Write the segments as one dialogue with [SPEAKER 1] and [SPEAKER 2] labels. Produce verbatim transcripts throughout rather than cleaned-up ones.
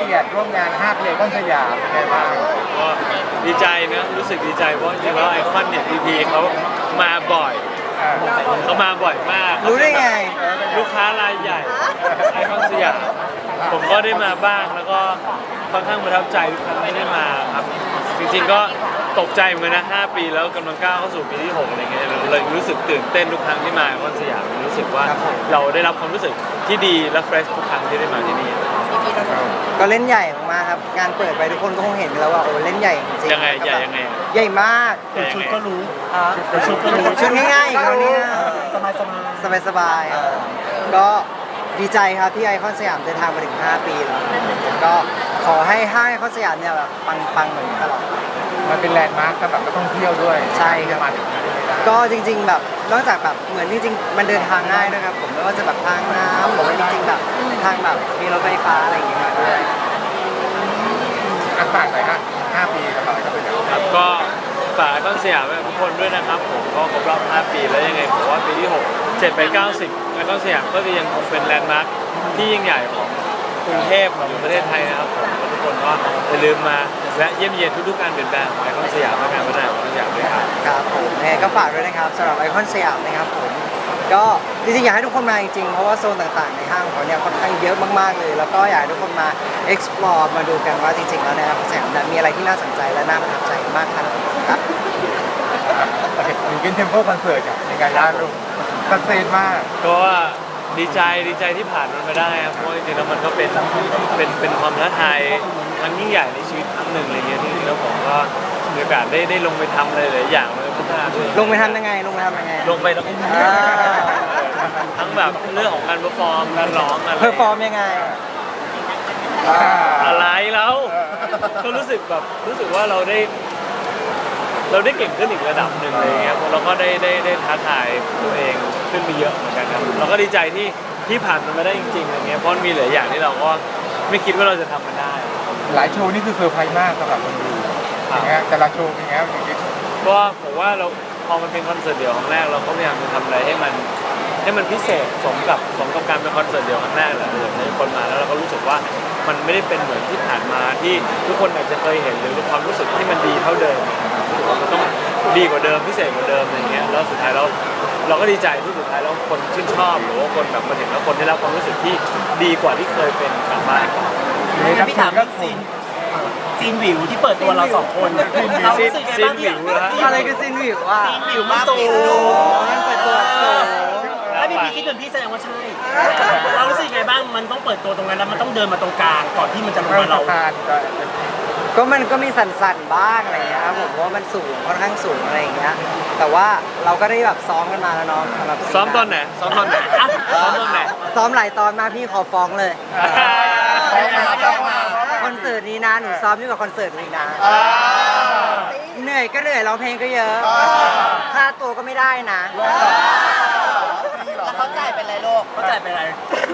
[SPEAKER 1] กียรติร่วมงานห้าปีไอคอนสยามเป็นไงบ้าง
[SPEAKER 2] ก็ดีใจนะรู้สึกดีใจเพราะจริงๆแล้วไอคอนเนี่ยพีพีเขามาบ่อยเขามาบ่อยมาก
[SPEAKER 3] รู้ได้ไง
[SPEAKER 2] ลูกค้ารายใหญ่ไอคอนสยามผมก็ได้มาบ้างแล้วก็ค่อนข้างประทับใจทุกครั้งที่ได้มาครับจริงๆก็ตกใจเหมือนกันนะห้าปีแล้วกำลังก้าวเข้าสู่ปีที่หกอะไรเงี้ยเลยรู้สึกตื่นเต้นทุกครั้งที่มาไอคอนสยามรู้สึกว่าเราได้รับความรู้สึกที่ดีและเฟรชทุกครั้งที่ได้มาที่นี่
[SPEAKER 3] ก็เล่นใหญ่มากครับงานเปิดไปทุกคนก็คงเห็นแล้วว่าโอ้เล่นใหญ่จริง
[SPEAKER 2] ยังไงใหญ่ยังไง
[SPEAKER 3] ใหญ่มาก
[SPEAKER 2] ชุดก็รู้
[SPEAKER 3] ชุดก็รู้ชุดง่ายๆก็นี้สบายสบายสบายสบายก็ดีใจครับที่ไอคอนสยามเดินทางมาถึงห้าปีแล้วก็ขอให้ห้างไอคอนสยามเนี่ยแบบปังๆเหมือนตลอด
[SPEAKER 1] มันเป็นแลนด์มาร์คสำหรับนักท่องเที่ยวด้วย
[SPEAKER 3] ใช่ครับ
[SPEAKER 1] มาถึง
[SPEAKER 3] ก็จริงๆแบบนอกจากแบบเหมือนจริงๆมันเดินทางง่ายด้วยครับผมไม่ว่าจะแบบทางน้ำหรือว่าจริงๆแบบทางแบบมีรถไฟฟ้าอะไรอย่างเงี้ยมาด้วย
[SPEAKER 1] อันฝากหน่อยฮะห้าปีสำหรับไอคอนสยาม
[SPEAKER 2] ครับก็ฝากไอคอนสยามทุกคนด้วยนะครับผมก็ครบรอบห้าปีแล้วยังไงผมว่าปีที่หก เจ็ด แปด เก้า สิบไอคอนสยามก็จะยังคงเป็นแลนด์มาร์คที่ยิ่งใหญ่ของกรุงเทพของประเทศไทยนะครับผมทุกคนก็อย่าลืมมาและเยี่ยมเยียนทุกๆการเปลี่ยนแปลงของไอคอนสยามและการพัฒนาของไอคอนสยามด้วยครับ
[SPEAKER 3] ครับผมยังไงก็ฝากด้วยนะครับสำหรับไอคอนสยามนะครับผมก็จริงๆอยากให้ทุกคนมาจริงๆเพราะว่าโซนต่างๆในห้างของเขาเนี่ยค่อนข้างเยอะมากๆเลยแล้วก็อยากให้ทุกคนมา explore มาดูกันว่าจริงๆแล้วในไอคอนสยามมีอะไรที่น่าสนใจและน่าประทับใจมากขนาดไหนครับ
[SPEAKER 1] โอเคอยู่กินเทมโพคอนเสิร์ตในงานล่าสุดตัดเซนมาก
[SPEAKER 2] ก็ดีใจดีใจที่ผ่านมันมาได้ครับเพราะจริงๆแล้วมันก็เป็นเป็นเป็นความท้าทายครั้งยิ่งใหญ่ในชีวิตครั้งหนึ่งอะไรเงี้ยที่แล้วผมก็มีโอกาสได้ได้ลงไปทำอะไรหลายอย่างเลยพัฒนาด้วย
[SPEAKER 3] ลงไปทำยังไงลงไปทำยังไง
[SPEAKER 2] ลงไปแล้วทั้งแบบเรื่องของการเปอร์ฟอร์มการร้องอะไร
[SPEAKER 3] เพอร์ฟอร์มยังไง
[SPEAKER 2] อะไรแล้วก็รู้สึกแบบรู้สึกว่าเราได้เราได้เก่งขึ้นอีกระดับหนึ่งอะไรเงี้ยเราก็ได้ได้ได้ท้าทายตัวเองขึ้นไปเยอะเหมือนกันครับเราก็ดีใจที่ที่ผ่านมันมาได้จริงๆอะไรเงี้ยเพราะมีหลายอย่างที่เราก็ไม่คิดว่าเราจะทำมันได้
[SPEAKER 1] หลายโชว์นี่คือเซอร์ไพรส์มากสำหรับคนดูอย่างเงี้ยแต่ละโชว์เป็นไงอย่างนี้
[SPEAKER 2] ก็ผมว่าเราพอมันเป็นคอนเสิร์ตเดี่ยวครั้งแรกเราก็พยายามจะทำอะไรให้มันให้มันพิเศษสมกับสมกับการเป็นคอนเสิร์ตเดี่ยวครั้งแรกแหละเออในคนมาแล้วเราก็รู้สึกว่ามันไม่ได้เป็นเหมือนที่ผ่านมาที่ทุกคนอาจจะเคยเห็นหรือความรู้สึกที่มันดีเท่าเดิมมันต้องดีกว่าเดิมพิเศษกว่าเดิมอะไรเงี้ยแล้วสุดท้ายเราเราก็ดีใจที่สุดท้ายแล้วคนชื่นชอบหรือว่าคนแบบมาถึงแล้วคนได้รับความรู้สึกที่ดีกว่าที่เคยเป็นกลับบ้าน
[SPEAKER 4] พี่ถามเรื่องซีนซีนวิวที่เปิดตัวเราสองคนเรารู้สึกไงบ้างที่
[SPEAKER 3] อะไรคือซีนวิวว่า
[SPEAKER 4] ซีนวิวมาสูง
[SPEAKER 3] มันเปิดตัวสูง
[SPEAKER 4] แล้วพี่พี่คิดเหมือนพี่แสดงว่าใช่เรารู้สึกไงบ้างมันต้องเปิดตัวตรงนั้นแล้วมันต้องเดินมาตรงกลางก่อนที่มันจะลงมาเรา
[SPEAKER 3] ก็มันก็มีสั่นๆบ้างอะไรเงี้ยครับผมว่ามันสูงค่อนข้างสูงอะไรอย่างเงี้ยแต่ว่าเราก็ได้แบบซ้อมกันมาแล้วเนาะสำหรับ
[SPEAKER 2] ซ้อมตอนไหนซ้อมตอนไหนซ้อมตอนไหน
[SPEAKER 3] ซ้อมหลายตอนมาพี่ขอฟ้องเลยคอนเสิร์ตนี้นะหนูซ้อมยิ่งกว่าคอนเสิร์ตนี้นะเหนื่อยก็เหนื่อยร้องเพลงก็เยอะค่าตัวก็ไม่ได้นะ
[SPEAKER 4] แล้วเขาจ่ายเป็นไรโลกเขาจ่ายเป็นไร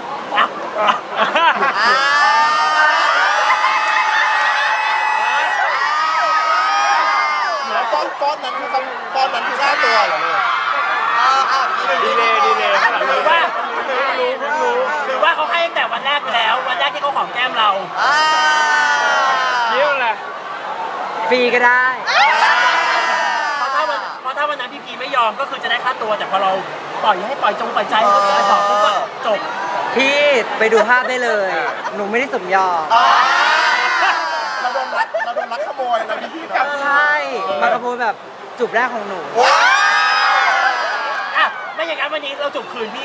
[SPEAKER 1] ฟอนฟอนนั้นคือฟอนนั้นคือค่าตัวเหรอเนี่ย
[SPEAKER 2] ดีเลยดีเลย
[SPEAKER 4] หรือว่ารู้รู้หรือว่าเขาให้ตั้งแต่วันแรกแล้ววันแรกที่เขาหอมแก้มเรา
[SPEAKER 2] เยี่ยมเลย
[SPEAKER 3] ฟรีก็ได้
[SPEAKER 4] เพราะถ้าวันเพราะถ้าวันนั้นพี่พีไม่ยอมก็คือจะได้ค่าตัวแต่พอเราปล่อยให้ปล่อยจงปล่อยใจเขาเลยต่อปุ๊บก็จบ
[SPEAKER 3] พี่ไปดูภาพได้เลยหนูไม่ได้สมยอม
[SPEAKER 1] เราโดนรักเราโดนรักขโมยเราพี่
[SPEAKER 3] ใช่มาขโมยแบบจูบแรกของหนู
[SPEAKER 4] อ่ะไม่อย่างนั้นวันนี้เราจูบคืนพี่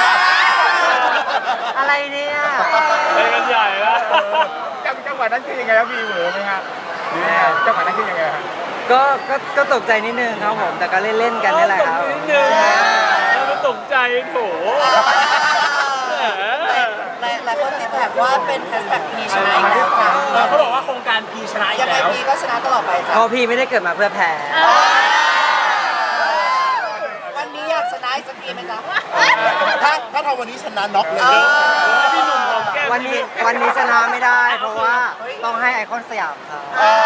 [SPEAKER 3] อะไรเนี่ย
[SPEAKER 2] ไปกันใหญ่แล้ว
[SPEAKER 1] จังหวะนั้นคือยังไงครับพี่เหวอไหมครับหรือจังหวะนั้นคือยังไงครับ
[SPEAKER 3] ก็ก็ก็ตกใจนิดนึงครับผมแต่ก็เล่นๆกันนี่แหละครับ
[SPEAKER 2] นิดนึงแล้วก็ตกใจโถ
[SPEAKER 5] หลายคนติดแท็กว่าเป็นแฮชแท็กพีชนะอีกแล้วจ้ะ
[SPEAKER 4] เขาบอกว่าโครงการพีชนะอีกแล้ว
[SPEAKER 5] ยังไงพีก็ชนะตลอดไปจ้ะ
[SPEAKER 3] เพราะพีไม่ได้เกิดมาเพื่อแพ้
[SPEAKER 5] วันนี้อยากชนะอีกสักทีไหมจ๊ะ
[SPEAKER 1] ถ้าถ้าทำวันนี้ชนะน็อกเลย
[SPEAKER 2] พี่หนุ่มของแก้ม
[SPEAKER 3] วันนี้วันนี้ชนะไม่ได้เพราะว่าต้องให้ไอคอนสยามครับ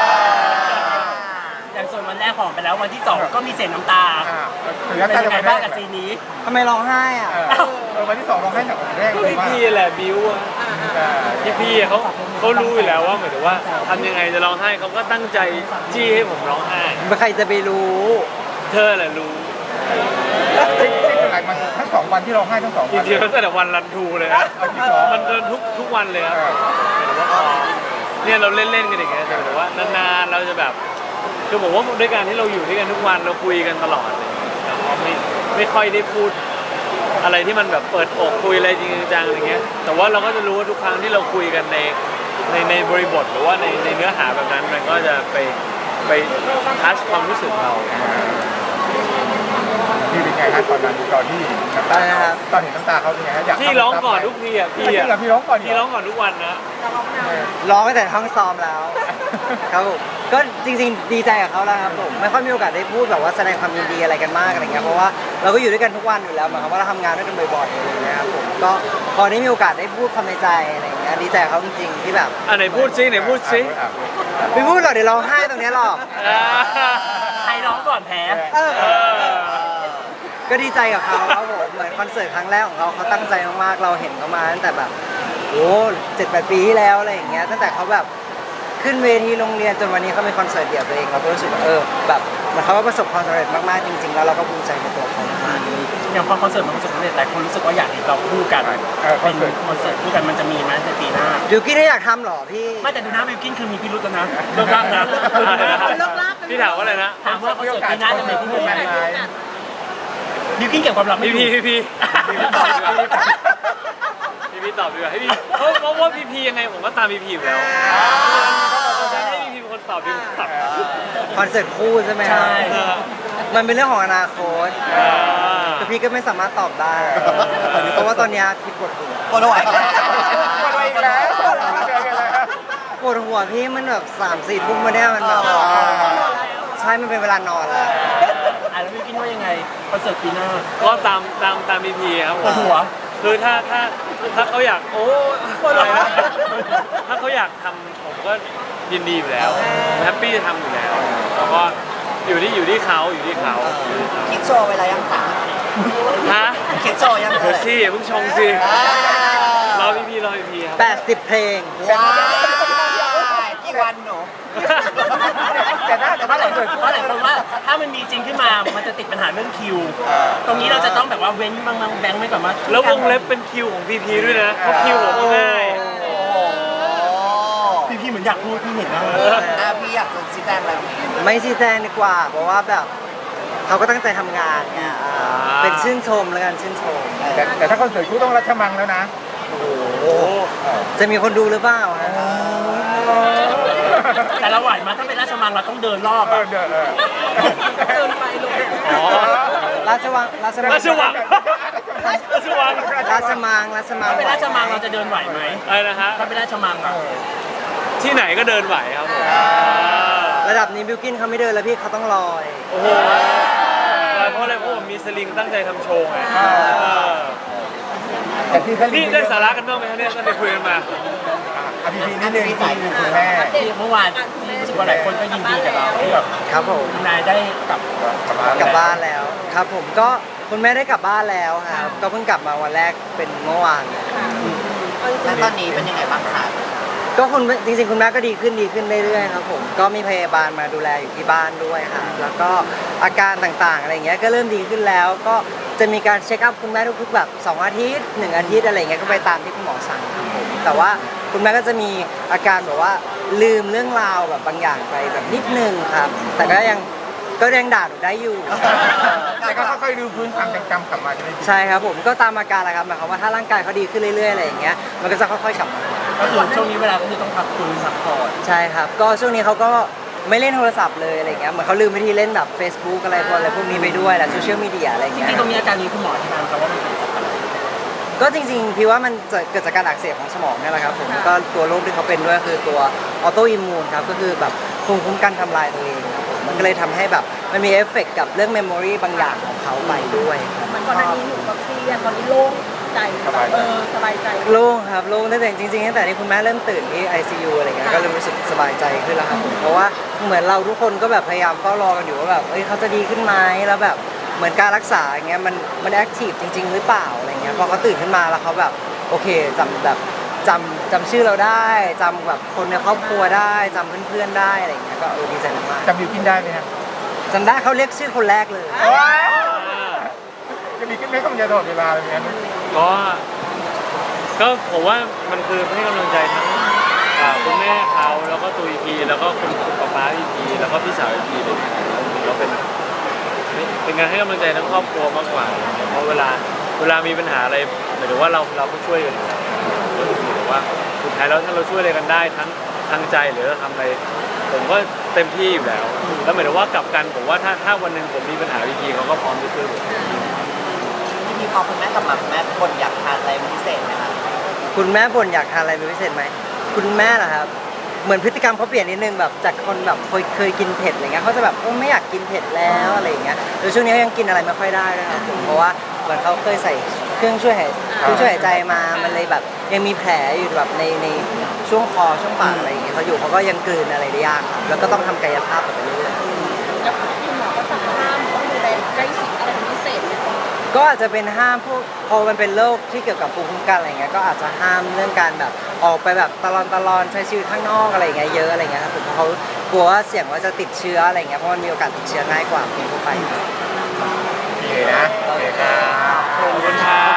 [SPEAKER 4] อย่างส่วนวันแรกของไปแล้ววันที่สองก็มีเสียงน้ำตาเป็นยังไงบ้างกับซีนนี้
[SPEAKER 3] ทำไมร้องไห้อ่ะ
[SPEAKER 4] เ
[SPEAKER 1] อวันที่สองร้องไห้หนักกว่าแรก
[SPEAKER 2] ก็
[SPEAKER 1] เลย
[SPEAKER 2] พี่
[SPEAKER 1] ว่า
[SPEAKER 2] พี่แหละบิวอะพี่พี่อะเขาเขารู้อยู่แล้วว่าหมายถึงว่าทำยังไงจะร้องไห้เขาก็ตั้งใจจี้ให้ผมร้องไห้
[SPEAKER 3] ใครจะไปรู้
[SPEAKER 2] เธอแหละรู้
[SPEAKER 1] จริงๆเป็นไรมันทั้งสองวันที่ร้องไห้ทั้งสอง
[SPEAKER 2] จ
[SPEAKER 1] วัน
[SPEAKER 2] ริงๆตั้งแต่วันรันทูเลยนะ
[SPEAKER 1] เอาจริงเหรอ
[SPEAKER 2] มันเดินทุกทุกวันเลยครับหมายถึงว่าพอเนี่ยเราเล่นๆกันอย่างเงี้ยแต่หมายถึงว่านานๆเราจะแบบคือผมว่าด้วยการที่เราอยู่ด้วยกันทุกวันเราคุยกันตลอดเลยเราไม่ไม่ค่อยได้พูดอะไรที่มันแบบเปิดอกคุยอะไรจริงจังอะไรเงี้ยแต่ว่าเราก็จะรู้ว่าทุกครั้งที่เราคุยกันในในในบริบทหรือว่าในในเนื้อหาแบบนั้นมันก็จะไปไปทัชความรู้สึกเรา
[SPEAKER 1] พี่เป็นไงครับตอนนั้นตอนที่น้ำตา
[SPEAKER 3] อะไรนะครับ
[SPEAKER 1] ตอนเห็นน้ำตาเขาเป็นไงฮะอยาก
[SPEAKER 2] พี่ร้องก่อนทุกทีอ่ะพี่
[SPEAKER 1] จริง
[SPEAKER 2] อ่ะ
[SPEAKER 1] เหรอพี่ร้องก่อน
[SPEAKER 2] พี่ร้องก่อนทุกวันนะ
[SPEAKER 3] ร้องตั้งแต่ห้องซ้อมแล้ว ครับผมก็จริงๆดีใจกับเขาแล้วครับผมไม่ค่อยมีโอกาสได้พูดแบบว่าแสดงความยินดีอะไรกันมากอะไรเงี้ยเพราะว่าเราก็อยู่ด้วยกันทุกวันอยู่แล้วหมายความว่าเราทำงานด้วยกันบ่อยๆอะไรเงี้ยครับผมก็พอได้มีโอกาสได้พูดความในใจอะไรเงี้ยดีใจกับเขาจริงๆที่แบบ
[SPEAKER 2] อ่ะไหนพูดซิไหนพูดซิ
[SPEAKER 3] ไม่พูดหรอกเดี๋ยวร้องไห้ตรงเนี้ยหรอก
[SPEAKER 2] อ่า
[SPEAKER 4] ใครร้องก่อนแพ้
[SPEAKER 3] เออ
[SPEAKER 2] เออ
[SPEAKER 3] ก็ดีใจกับเขาครับผมเหมือนคอนเสิร์ตครั้งแรกของเขาเขาตั้งใจมากๆเราเห็นเขามาตั้งแต่แบบโอ้เจ็ดแปดปีที่แล้วอะไรอย่างเงี้ยตั้งแต่เขาแบบขึ้นเวทีโรงเรียนจนวันนี้เขาเป็นคอนเสิร์ตเดี่ยวตัวเองเราก็รู้สึกว่าเออแบบเหมันเขาก็ประสบความสำเร็จมากๆจริงๆแล้วเราก็ภูมิใจในตัวเขามาก
[SPEAKER 4] อย่างพอคอนเสิร์ตมันประสบความสำเร็จหลายคนรู้สึกว่าอยากเห็นเราคู่กัน
[SPEAKER 1] เออคอ
[SPEAKER 4] เป็น น
[SPEAKER 1] เสิร์ต
[SPEAKER 4] คอนเสิร์ตคู่กันมันจะมีไหมในปีหน้า
[SPEAKER 3] บิวกี้นได้อยากทำเหรอพี่
[SPEAKER 4] ไม่แต่ดูหน้าบิวกินคือมีพิรุธแล้วนะเลิกรักนะ
[SPEAKER 2] พี่ถามว่าอะไรนะ
[SPEAKER 4] ถามว่าคอนเสิร์ตปีหน้าจะมีคู่กันไหม
[SPEAKER 1] ไหม
[SPEAKER 4] บิวกินเก็บความลับไม่
[SPEAKER 2] พี่
[SPEAKER 4] อยู่
[SPEAKER 2] พี่พี่พี่ตอบดีกว่าพี่พี่ตอบดีกว่าให้พี่เพราะเพราะว่าพี่พี่ยังไงผมก็ตามพี่พี่อยู่แล้วให้พี่พี่เป็นคนตอบดีกว่า
[SPEAKER 3] คอนเสิร์ตคู่ใช่ไหมครับ
[SPEAKER 4] ใช่
[SPEAKER 2] เออ
[SPEAKER 3] มันเป็นเรื่องของอนาคต
[SPEAKER 2] อ่า
[SPEAKER 3] แต่พี่ก็ไม่สามารถตอบได้เพราะว่าตอนเนี้ยพี่ปวดหัว
[SPEAKER 5] ปวดหัว
[SPEAKER 1] มาด้วยอีกแล้วเจอกันแล้ว
[SPEAKER 3] ปวดหัวพี่มันแบบสามสี่ทุ่มมาเนี่ยมันแบบใช่มันเป็นเวลานอนแล้ว
[SPEAKER 4] อ่ะแล้วบิวกินว่ายังไงคอนเสิร์ตปีหน้า
[SPEAKER 2] ก็ตามตามตามพี่พี่ครับผ
[SPEAKER 4] ปว
[SPEAKER 2] ม
[SPEAKER 4] ดหัว
[SPEAKER 2] คือถ้าถ้าถ้าเขาอยากโอ้อะไรนะถ้าเขาอยากทำผมก็ยินดีอยู่แล้วแฮปปี้จะทำอยู่แล้วแล้วก็อยู่ที่อยู่ที่เขาอยู่ที่เขา
[SPEAKER 5] คิดโชว์เวลายังคะ
[SPEAKER 2] ฮะ
[SPEAKER 5] คิดโชว์ยัง
[SPEAKER 2] เดี๋
[SPEAKER 5] เอ่
[SPEAKER 2] ยวย สิอย่าเพิ่งชงสิ
[SPEAKER 5] อ่าร
[SPEAKER 2] อพี่พี่รอพี่พี่ครับ
[SPEAKER 3] แปดสิบเพลง
[SPEAKER 5] ว้ายกี่วันหนู
[SPEAKER 1] แต่ถ้าแต่
[SPEAKER 4] เพ
[SPEAKER 1] ถ้า
[SPEAKER 4] ราะห
[SPEAKER 1] เรา
[SPEAKER 4] ลาย
[SPEAKER 1] เกิด
[SPEAKER 4] เพราะหลายคนว่าถ้ามันมีจริงขึ้นมา มันจะติดปัญหาเรื่องคิว ตรงนี้เราจะต้องแบบว่าเว้นบางๆแบงค์ไว้ก่อนว่า
[SPEAKER 2] แล้ววงเล็บเป็นคิวของพี่พีด้วยนะเพราะคิวผมง่าย
[SPEAKER 5] โอ้โห
[SPEAKER 4] พี่พี่เหมือนอยากพูดพี่เห็นนะ
[SPEAKER 5] อ่ะพี่อยากจะชี้แจงอะไร
[SPEAKER 3] ไม่ชี้แจงดีกว่า เพราะว่าแบบเขาก็ตั้งใจทำงานไงอ่าเป็นชื่นชมแล้วกันชื่นชม
[SPEAKER 1] แต่แต่ถ้าคอนเสิร์ตคู่ต้องรัชมังแล้วนะ
[SPEAKER 2] โอ้โห
[SPEAKER 3] จะมีคนดูหรือเปล่าฮะ
[SPEAKER 4] แต่เราไหวมาถ้าเป็นราชมังเราต้องเดินรอบ
[SPEAKER 1] เอ
[SPEAKER 4] อะ
[SPEAKER 1] อเดินเออ
[SPEAKER 2] อ๋อ
[SPEAKER 3] ราชวังราชมัง
[SPEAKER 2] ราชวังราชวัง
[SPEAKER 3] ราชมังราชมัง
[SPEAKER 4] ถ้าเป็นราชมังเราจะเดินไหวไหม
[SPEAKER 2] อะไรนะฮะ
[SPEAKER 4] ถ้าเป็นราชมังอะ
[SPEAKER 2] ที่ไหนก็เดินไหวครับผม
[SPEAKER 3] ระดับนี้บิวกินเขาไม่เดินแล้วพี่เขาต้องลอย
[SPEAKER 2] โอ้โหเพราะอะไรเพราะผมมีสลิงตั้งใจทำโชว์ไงเออ
[SPEAKER 1] แต่ที่ท่าน
[SPEAKER 2] นี่ได้สาระกันบ้างไหมครับเนี่ยตั้งแต่คุยกันมา
[SPEAKER 1] อภิพีนิดนึงคุณแม่
[SPEAKER 4] เมื่อวานรู้สึกว่าหลายคนก็ยินดีกับเราที่แบบ
[SPEAKER 3] ครับผม
[SPEAKER 4] คุณนายได้กลับ
[SPEAKER 3] กลับบ้านแล้วครับผมก็คุณแม่ได้กลับบ้านแล้วครับก็เพิ่งกลับมาวันแรกเป็นเมื่อวาน
[SPEAKER 5] แล้วตอนนี้เป็นยังไงบ้างคะ
[SPEAKER 3] ก็คุณจริงๆคุณแม่ก็ดีขึ้นดีขึ้นเรื่อยๆครับผมก็มีพยาบาลมาดูแลอยู่ที่บ้านด้วยค่ะแล้วก็อาการต่างๆอะไรเงี้ยก็เริ่มดีขึ้นแล้ว ก็จะมีการเช็คอัพคุณแม่ทุกๆแบบสองอาทิตย์หนึ่งอาทิตย์อะไรเงี้ยก็ไปตามที่คุณหมอสั่งครับผมแต่ว่าคุณแม่ก็จะมีอาการแบบว่าลืมเรื่องราวแบบบางอย่างไปแบบนิดนึงครับ แต่ก็ยังก็ยังด่าหนูได้อยู่
[SPEAKER 1] แต่ก็ค่อยๆดูพื้นความจำกลับมาใช่ไหม
[SPEAKER 3] ใช่ครับผมก็ตามอาการแหละครับหมายความว่าถ้าร่างกายเขาดีขึ้นเรื่อยๆอะไรอย่างเงี้ยมันก็จะค่อยๆกลับมา
[SPEAKER 4] ก็คือช่วงนี้เวลาก็คือต้องพักฟื้นพักผ่อน
[SPEAKER 3] ใช่ครับ ก็ช่วงนี้เขาก็ไม่เล่นโทรศัพท์เลยอะไรเงี้ยเหมือนเขาลืมวิธีเล่นแบบ Facebook อะไรพวกอะไรพวกนี้ไปด้วยแหละโซเชียลมีเดียอะไร
[SPEAKER 4] จ
[SPEAKER 3] เงี้ย
[SPEAKER 4] ริงๆตรงนี้อาการนี้คุณหมออธิบายไหมครับว่ามันเป็นจากอะไร
[SPEAKER 3] ก็จริงๆพี่ว่ามันจะเกิดจากการอักเสบของสมองนี่แหละครับผมก็ตัวโรคที่เขาเป็นด้วยคือตัวออโตอิมมูนครับก็คือแบบภูมิคุ้มกันทำลายตัวเองครับผมมันก็เลยทำให้แบบมันมีเอฟเฟกต์กับเรื่องเมมโมรีบางอย่างของเขาไปด้วยครับ
[SPEAKER 6] มันก่อนหน้านี้หนูก็เครียดตอนนี้โล่งใจแบบเออสบายใจ
[SPEAKER 3] โล่งครับโล่งตั้งแต่จริงๆตั้งแต่ที่คุณแม่เริ่มตื่นที่ ไอ ซี ยู อะไรเงี้ยก็เริ่มรู้สึกสบายใจขึ้นแล้วครับผมเพราะว่าเหมือนเราทุกคนก็แบบพยายามเฝ้ารอกันอยู่ว่าแบบเอ้ยเขาจะดีขึ้นไหมแล้วแบบเหมือนการรักษาอย่างเงี้ยมันมันแอคทีฟจริง ๆ หรือเปล่าอะไรเงี้ยพอเขาตื่นขึ้นมาแล้วเขาแบบโอเคจำแบบจำจำชื่อเราได้จำแบบคนในครอบครัวได้จำเพื่อนๆได้อะไรเงี้ยก็เออดีใจมาก
[SPEAKER 1] จำบิวกินได้ไหมครับ
[SPEAKER 3] ๆจำได้เขาเรียกชื่อคนแรกเลย
[SPEAKER 1] จะมีขึ้นไม่ต้องจะตลอดเวลาเลยงั้น
[SPEAKER 2] ก็ก็ผมว่ามันคือให้กำลังใจทั้งอ่าคุณแม่เขาแล้วก็ตัวอีพีแล้วก็คุณคุณป๊าป๊าอีพีแล้วก็พี่สาวอีพีเลยแล้วเป็นเป็นการให้กำลังใจทั้งครอบครัวมากกว่าเพราะเวลาเวลามีปัญหาอะไรหมายถึงว่าเราเราก็ช่วยกันอยู่แล้วก็ถือว่าสุดท้ายแล้วถ้าเราช่วยอะไรกันได้ทั้งทางใจหรือเราทำอะไรผมก็เต็มที่อยู่แล้วแล้วหมายถึงว่ากลับกันผมว่าถ้าถ้าวันหนึ่งผมมีปัญหาอีพีเขาก็พร้อมจะช่วยผม
[SPEAKER 5] พี่พีพอคุณแม่กลับมาคุณแม่บ่นอยากทานอะไรเป็นพิเศษไหมคะ
[SPEAKER 3] คุณแม่บ่นอยากทานอะไรเป็นพิเศษไหมคุณแม่เหรอครับเหมือนพฤติกรรมเขาเปลี่ยนนิดนึงแบบจากคนแบบเคยเคยกินเผ็ดอะไรเงี้ยเขาจะแบบเออไม่อยากกินเผ็ดแล้วอะไรอย่างเงี้ยโดยช่วงนี้เขายังกินอะไรไม่ค่อยได้ด้วยครับผมเพราะว่าเหมือนเขาเคยใส่เครื่องช่วยหายเครื่องช่วยหายใจมามันเลยแบบยังมีแผลอยู่แบบในในช่วงคอช่วงปากอะไรอย่างเงี้ยเขาอยู่เขาก็ยังกลืนอะไรได้ยากครับแล้วก็ต้องทำกายภาพไปเรื่อยๆ
[SPEAKER 6] แล้วคุณหมอก็สั่งห้ามต้องดูแลใกล้ชิดอะไรเป็นพิเศษไหม
[SPEAKER 3] ก็อาจจะเป็นห้ามพวกพอมันเป็นโรคที่เกี่ยวกับภูมิคุ้มกันอะไรเงี้ยก็อาจจะห้ามเรื่องการแบบออกไปแบบตลอนตลอนใช้ชีวิตข้างนอกอะไรเงี้ยเยอะอะไรเงี้ยครับผมเพราะเขากลัวว่าเสี่ยงว่าจะติดเชื้ออะไรเงี้ยเพราะมันมีโอกาสติดเชื้อง่ายกว่าคนทั่วไป
[SPEAKER 1] โอเคนะโอเคครับ
[SPEAKER 2] ขอบคุณครับ